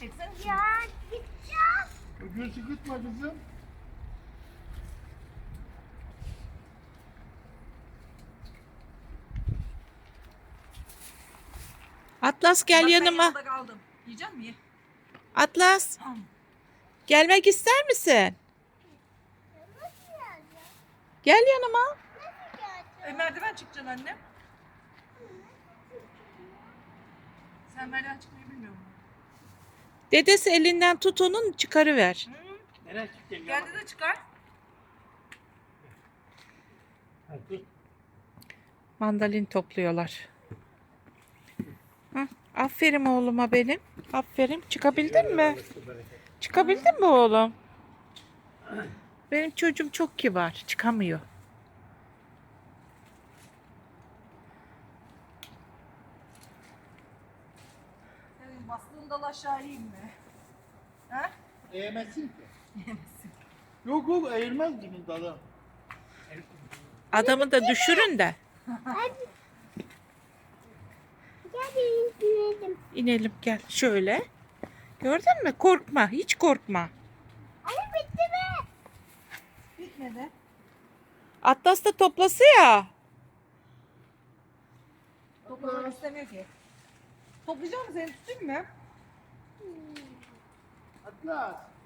Çeksene. Ya gideceğim. Gülsü gitme kızım. Atlas gel Bak, ben yanıma. yanında kaldım. Yiyecek misin? Ye. Atlas Tamam. gelmek ister misin? Nasıl geleceğim? Gel yanıma. Nasıl geleceğim? Merdiven çıkacaksın annem. Sen merdiven çıkmayı bilmiyor musun? Dedesi elinden tut onun çıkarıver. Hı? Nereye çıkacaksın? Geldi de çıkar. Hadi. Mandalin topluyorlar. Hı, aferin oğluma benim. Aferin. Çıkabildin mi? Çıkabildin mi oğlum? Benim çocuğum çok kibar. Çıkamıyor. Senin bastığın dal aşağı ineyim mi? Ha? Eğmezsin ki. Yok yok eğilmez bunun dalı. Adamı da düşürün de. Gel inelim. İnelim gel. Şöyle. Gördün mü? Korkma. Hiç korkma. Anne bitti mi? Bitmedi. Atlas da toplası ya. Toplamak istemiyor ki. Toplayacak mısın? Seni tutayım mı? Atlas.